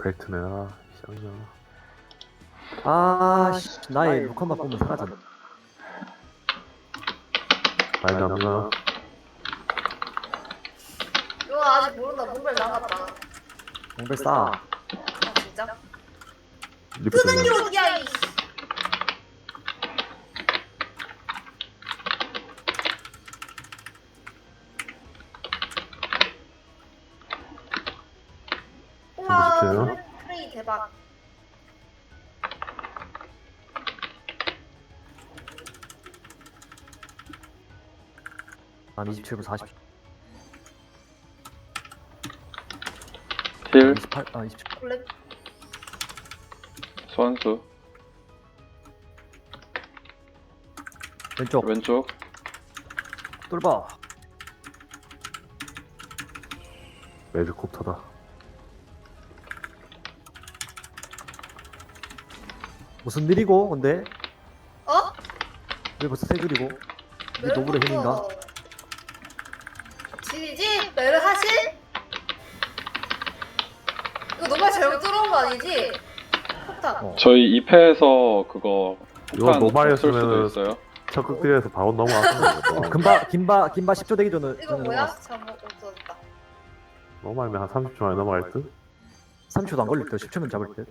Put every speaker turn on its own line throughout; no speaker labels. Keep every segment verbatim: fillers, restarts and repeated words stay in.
벨트네. 아, 쌍년.
아, 씨, 나의 루카만 보면 사라졌네.
많이 남나?
이거 아직 모른다. 몽벨 나갔다.
몽벨 싸.
아 진짜?
리프
끄는 게
되네.
어디야 이. 우와
진짜요?
프레- 프레이 대박.
난 이십칠 분 사십.
힐,
이십팔, 아, 이십칠.
원래
소환수,
왼쪽.
왼쪽,
뚫봐.
매직콥터다.
무슨 일이고, 근데?
어?
왜 벌써 세 줄이고? 이게 노블의 힘인가?
진이지? 메르 하실? 이거 노말 잘못 들어온 거 아니지? 폭탄.
어.
저희 이 패에서 그거
이거
폭탄
노말이었으면은-
쓸 수도 있어요.
첫 극딜에서 바로 넘어갔던 거고.
금바, 김바, 김바 십 초 되기 전에.
이거
전에
뭐야?
넘어갔어.
잘못 없어졌다.
넘어가면 한 삼십 초 만에 넘어갈 듯?
삼 초도 안 걸릴 듯. 십 초면 잡을 듯.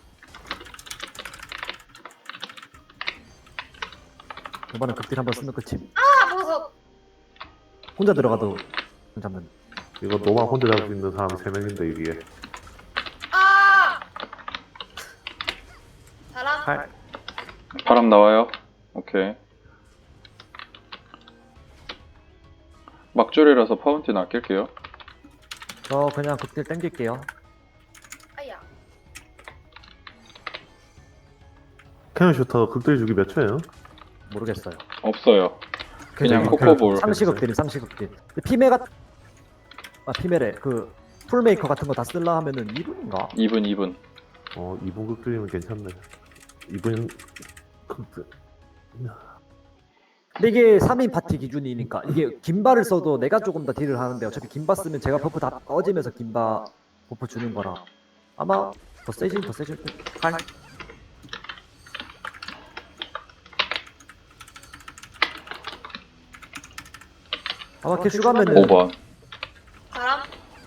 이번엔 극딜 한번 쓰면 끝임.
아 무서.
혼자 들어가도 잡는.
이거 노말 혼자 잡을 수 있는 사람 세 명인데 이게.
아. 사람.
팔.
바람 나와요. 오케이. 막줄이라서 파운틴 아낄게요.
저 그냥 극딜 땡길게요.
아야.
캐논 슈터 극딜 주기 몇 초예요?
모르겠어요.
없어요. 그냥
그래서
코코볼.
상시극딜이 상시극딜. 피메가 아 피메래 그 풀메이커 같은 거 다 쓸라 하면은 이 분인가?
이 분, 이 분.
어, 이 분 극딜이면 괜찮네. 이 분 극딜.
근데 이게 삼 인 파티 기준이니까 이게 김바를 써도 내가 조금 더 딜을 하는데 어차피 김바 쓰면 제가 버프 다 꺼지면서 김바 버프 주는 거라 아마 더 세질 더 세질 듯. 팔. 아마 캐슈 가면은
오 번.
바람.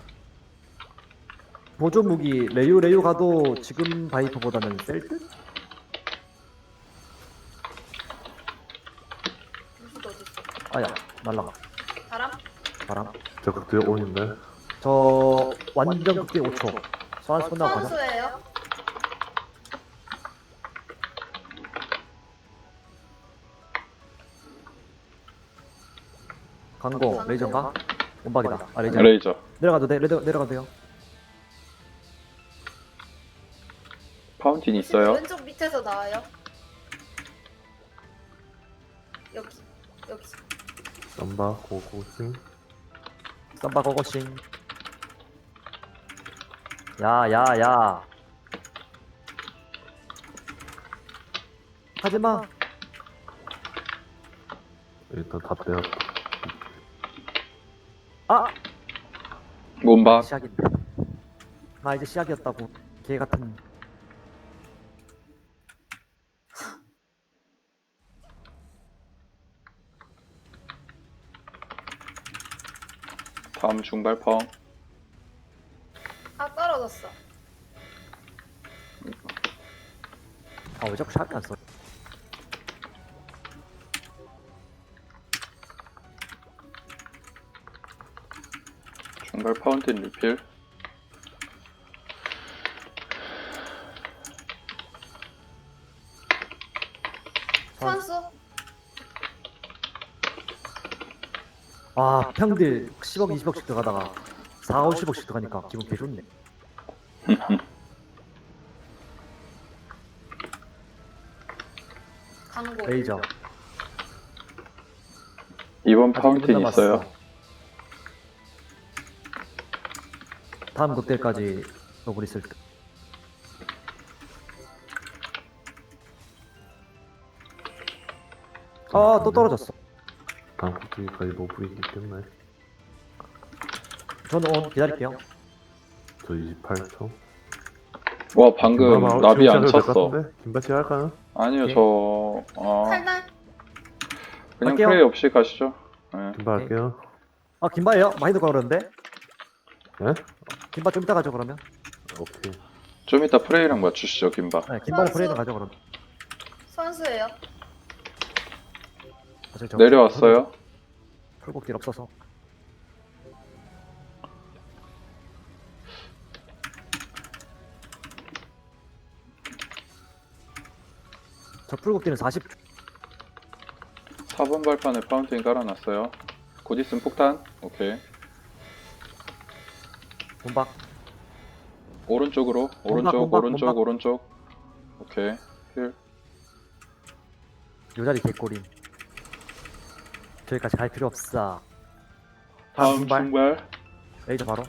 보조 무기 레유 레유 가도 지금 바이퍼보다는 셀 듯?
무슨 어디 있어?
아야 날라가.
바람.
바람.
저 극딜 온인데.
저 완전 극딜 오 초. 소환 끝나고 가자.
선수예요.
강고 레이저인가? 온박이다. 아 레이저.
레이저.
내려가도 돼. 레이저 내려가도 돼요.
파운틴 있어요.
왼쪽 밑에서 나와요. 여기 여기.
쌈바 고고싱.
쌈바 고고싱. 야야 야. 하지마.
일단 다 빼놨다.
아
몸박.
시작인데. 나 이제 시작이었다고. 개 같은.
다음 중발펑.
아 떨어졌어.
아 왜 자꾸 샷이 안 써?
중발 파운틴 리필.
선수.
아 평딜 십억 이십억씩 들어가다가 사, 오십억씩 들어가니까 기분 개 좋네.
강고.
레이저.
이번
아직
파운틴
일 분 남았어.
있어요.
다음 극딜까지 너블 있을 때. 아 또 떨어졌어.
다음 극딜까지 노블이 있겠네.
저는 온 기다릴게요.
저 이십팔 초.
와 방금
김바
나비 안
지금 시작해도 될것
쳤어.
같은데? 김바치 할까요?
아니요
오케이.
저 아,
칼날.
그냥
할게요.
프레이 없이 가시죠. 네.
김바
오케이.
할게요.
아 김바예요? 많이 들고 그러는데?
예?
김바 좀 이따 가죠 그러면.
오케이.
좀 이따 프레이랑 맞추시죠 김바.
네, 김바를
선수.
프레이는 가죠 그럼.
선수예요.
어차피 저
내려왔어요.
풀곡딜 없어서. 저 풀곡딜은 사십 초.
사 번 발판에 파운틴 깔아놨어요. 곧 있으면 폭탄. 오케이.
본박.
오른쪽으로 오른쪽
몸박,
오른쪽
몸박.
오른쪽. 오케이. 힐.
요 자리 개꼬림. 저기까지 갈 필요 없어.
다음
중발.
중발.
레이저 바로.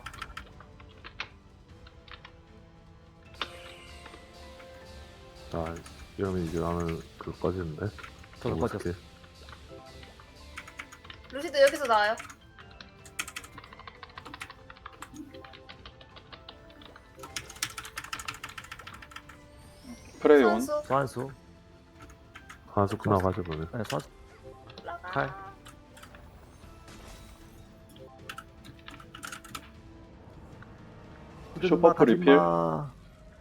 아, 이러면 이제 나는 그 꺼지는데.
저도
너무
꺼졌어.
어떡해.
루시드 여기서 나와요.
프레이 온.
선수.
소환수.
하수구 나가죠, 그러면.
네, 소환수.
올라가.
칼.
슈퍼프 리필.
가지마.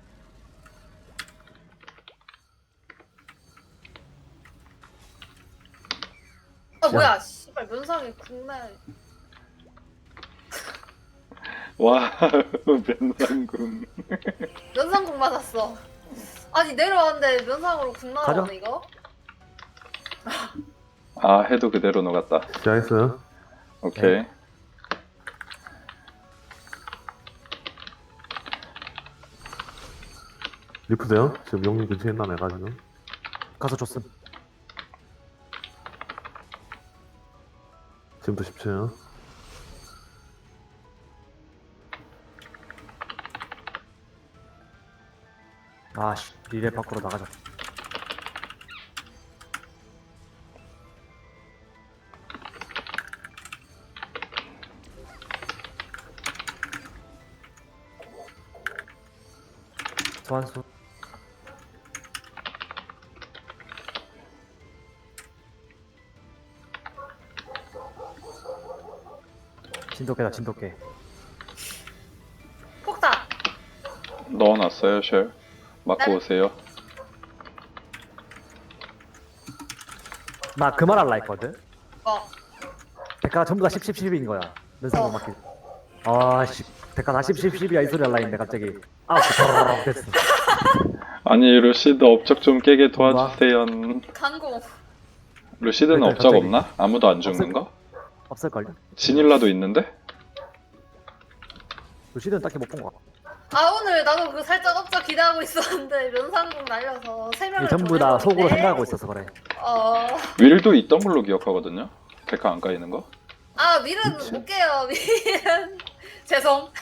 아 뭐야? 씨발 면상이 국내.
와 면상군.
면상국 맞았어. 아니 내려왔는데 면상으로 국
가자.
나가네 이거.
아 해도 그대로 녹았다.
시작했어요.
오케이.
네.
리프세요? 지금 용님 근처에 있나, 내가 지금?
가서 줬음.
지금도 십 초요.
아씨, 리레 밖으로 나가자. 소환수. 진돗개다 진돗개.
폭탄.
넣어놨어요 쉘. 맞고
네.
오세요.
나 그 말 할라 했거든.
어.
대가가 전부 다 십, 십, 십인 거야. 면상으로
어.
맞기. 아씨, 대가 다 십, 십, 십이야 이 소리 할라 했는데 갑자기 아우 그 됐어.
아니 루시드 업적 좀 깨게 도와주세요.
강공.
루시드는
일단
업적
갑자기-
없나? 아무도 안 죽는 거?
없을걸요?
지닐라도 있는데?
루시드는 딱히 못 본 거.
아 오늘 나도 그 살짝 업적 기대하고 있었는데 면상국 날려서 세 명을
전부 다 속으로
보내버렸네.
생각하고 있어서 그래.
어.
윌도 있던 걸로 기억하거든요. 데카 안 까이는 거?
아 밀은
그치.
못 깨요 밀은. 죄송.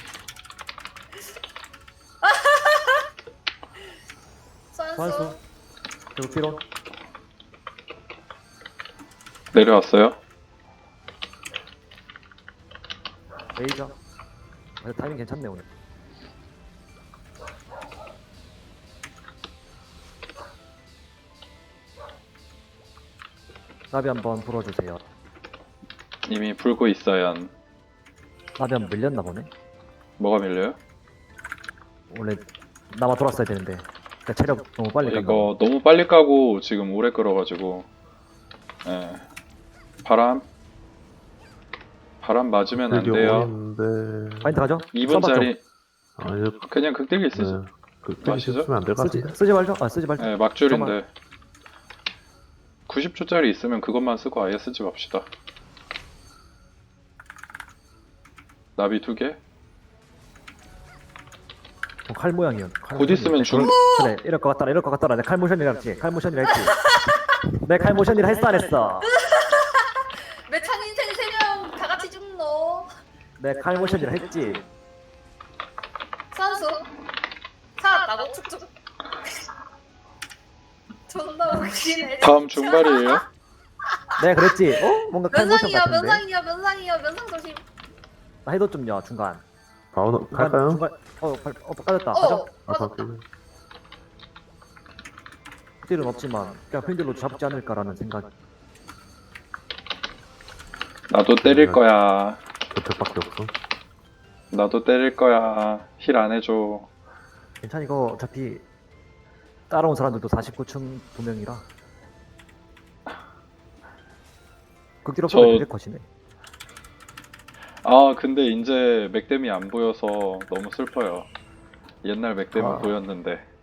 선수.
소환수. 그리고 피론.
내려왔어요.
레이저. 아, 타이밍 괜찮네 오늘. 나비 한번 불어주세요.
이미 불고 있어요.
나비 한번 밀렸나 보네.
뭐가 밀려요?
원래 남아 돌았어야 되는데. 그러니까 체력 너무 빨리 갔나
이거 너무 빨리 까고 지금 오래 끌어가지고. 예. 바람. 바람 맞으면 안
되게
돼요.
어려운데.
파인트 가죠?
이
써봤죠?
분짜리
아니요,
그냥 극딜기 쓰죠.
네. 그,
마시죠?
쓰면 안 될 것
쓰지,
같은데.
쓰지 말죠? 아 쓰지 말죠.
네, 막줄인데 구십 초짜리 있으면 그것만 쓰고 아예 쓰지 맙시다. 나비 두 개?
어, 칼 모양이요. 칼
곧 있으면
모양이요.
중-
그래 이럴 것 같더라 이럴 것 같더라. 내 칼 모션이라 했지. 칼 모션이라 했지. 내 칼 모션이라 했어 안 했어?
매창 인생 세 명 다 같이 죽노.
내 칼 모션이라 했지.
선수. 살았다고 축축. 존나 웃기네.
다음
진짜.
중발이에요?
내가 그랬지. 어? 뭔가 칼 모션
면상이요
같은데.
면상이요 면상이요 면상 조심.
나 해도 좀요 중간.
바로
중간,
갈까요?
중간, 어, 발, 어, 까졌다.
어
가죠.
아,
맞았다.
갈게요.
딜은 없지만 그냥 핀들로 잡지 않을까라는 생각.
나도 때릴 거야.
저택밖에 없어.
나도 때릴 거야. 힐 안 해줘.
괜찮아 이거 어차피 따라온 사람들도 사십구 층 두 명이라. 극딜
저-
없으면 이제 컷이네.
아 근데 이제 맥댐이 안 보여서 너무 슬퍼요. 옛날 맥댐은
아.
보였는데.